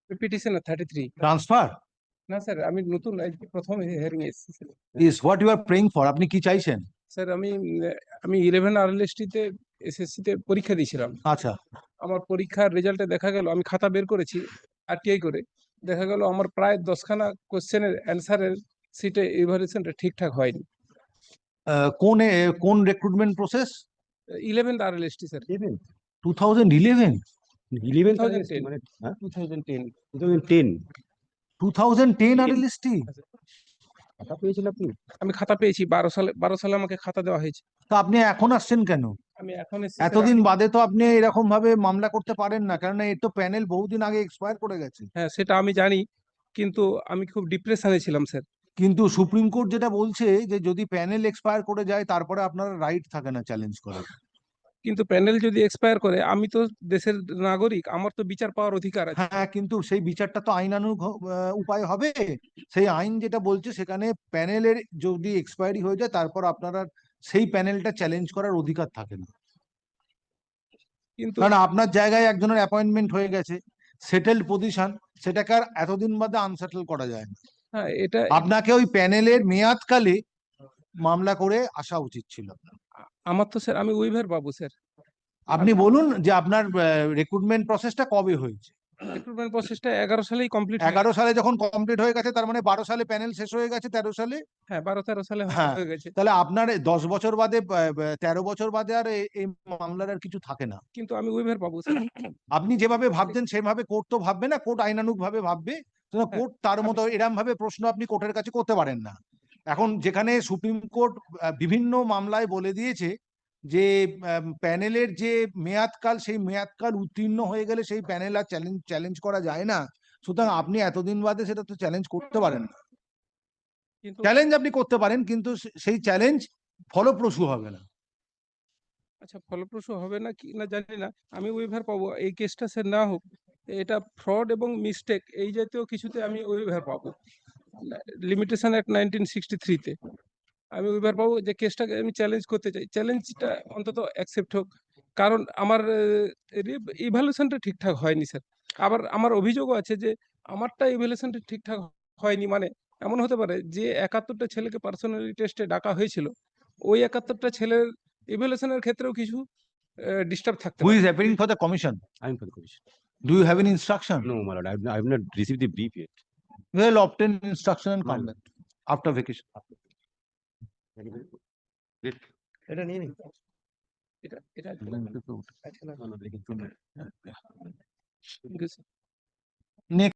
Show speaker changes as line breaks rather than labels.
Petitioner 33।
Transfer
না sir, আমি নতুন প্রথম হিয়ারিং এসেছি sir.
Is what you are praying for. আপনি কি চাইছেন?
স্যার আমি 11 RLST তে এসএসসি তে পরীক্ষা দিয়েছিলাম।
আচ্ছা,
আমার পরীক্ষার রেজাল্টে দেখা গেল, আমি খাতা বের করেছি আরটিআই করে, দেখা গেল আমার প্রায় 10খানা কোশ্চেনের অ্যান্সারের সিটে ইভালুয়েশনটা ঠিকঠাক হয়নি।
কোন recruitment process?
11th RLST sir.
2011?
2010
মানে
2010
2010
2010 RLST?
টাকা পেয়েছেন আপনি?
আমি খাতা পেয়েছি 12 সালে আমাকে খাতা দেওয়া হয়েছে।
তা আপনি এখন আসছেন কেন?
আমি এখন এসেছি স্যার।
এতদিন বাদে তো আপনি এরকম ভাবে মামলা করতে পারেন না, কারণ এর তো প্যানেল বহুদিন আগে এক্সপায়ার করে গেছে।
হ্যাঁ, সেটা আমি জানি, কিন্তু আমি খুব ডিপ্রেশনে ছিলাম স্যার।
কিন্তু সুপ্রিম কোর্ট যেটা বলছে যে যদি প্যানেল এক্সপায়ার করে যায় তারপরে আপনার রাইট থাকে না চ্যালেঞ্জ করার।
কিন্তু প্যানেল যদি এক্সপায়ার করে, আমি তো দেশের নাগরিক, আমার তো বিচার পাওয়ার অধিকার আছে।
হ্যাঁ, কিন্তু সেই বিচারটা তো আইনানুগ উপায় হবে। সেই আইন যেটা বলছে সেখানে প্যানেলের যদি এক্সপায়ারি হয়ে যায় তারপর আপনারা সেই প্যানেলটা চ্যালেঞ্জ করার অধিকার থাকে না।
কিন্তু
কারণ আপনার জায়গায় একজনের অ্যাপয়েন্টমেন্ট হয়ে গেছে, সেটেলড পজিশন, সেটাকে আর এতদিন বাদে আনসেটেল করা যায় না।
হ্যাঁ, এটা
আপনাকে ওই প্যানেলের মেয়াদকালে মামলা করে আসা উচিত ছিল।
আমার তো স্যার, আমি উইভার পাবো স্যার।
আপনি বলুন যে আপনার রিক্রুটমেন্ট প্রসেসটা কবে হয়েছে?
রিক্রুটমেন্ট প্রসেসটা 11 সালেই কমপ্লিট।
11 সালে যখন কমপ্লিট হয়ে গেছে, তার মানে 12 সালে প্যানেল শেষ হয়ে গেছে, 13 সালে।
হ্যাঁ, 12-13 সালে
হ্যাঁ,
হয়ে গেছে।
তাহলে আপনার 10 বছর বাদে 13 বছর বাদে আর এই মামলার আর কিছু থাকে না।
কিন্তু আমি উইভার পাবো স্যার।
আপনি যেভাবে ভাবছেন সেভাবে কোর্ট তো ভাববে না, কোর্ট আইনানুগ ভাবে ভাববে। কোর্ট তার মতো এরম ভাবে প্রশ্ন আপনি কোর্টের কাছে করতে পারেন না। এখন যেখানে সুপ্রিম কোর্ট বিভিন্ন মামলায় বলে দিয়েছে যে প্যানেলের যে মেয়াদকাল, সেই মেয়াদকাল উত্তীর্ণ হয়ে গেলে সেই প্যানেল আর চ্যালেঞ্জ করা যায় না। সুতরাং আপনি এতদিন বাদে সেটা তো চ্যালেঞ্জ করতে পারেন না।
কিন্তু
চ্যালেঞ্জ আপনি করতে পারেন, কিন্তু সেই চ্যালেঞ্জ ফলপ্রসূ হবে না।
আচ্ছা, ফলপ্রসূ হবে না কি না জানি না, আমি উইভার পাবো। এই কেসটা স্যার না হোক, এটা ফ্রড এবং মিস্টেক এই জাতীয় কিছুতে আমি উইভার পাবো। লিমিটেশন অ্যাক্ট 1963 তে আমি উইভার পাবো। যে কেসটাকে আমি চ্যালেঞ্জ করতে চাই, চ্যালেঞ্জটা অন্তত অ্যাকসেপ্ট হোক। কারণ আমার ইভ্যালুয়েশনটা ঠিকঠাক হয়নি স্যার। আবার আমার অভিযোগও আছে যে আমারটা ইভ্যালুয়েশনটা ঠিকঠাক হয়নি। মানে এমন হতে পারে যে 71টা ছেলেকে পার্সোনালি টেস্টে ডাকা হয়েছিল, ওই 71টা ছেলের ইভ্যালুয়েশনের ক্ষেত্রেও কিছু ডিস্টার্ব থাকতে
Who
পারে।
is appearing for the commission?
I'm for the commission.
Do you have any instruction?
No, my lord, I've not received the brief yet.
Well, obtain instruction and
My
come back after vacation.
Great.
এটা নিয়ে নিন। এটা এটা
No, no, they can-
Thank you, sir.
Next.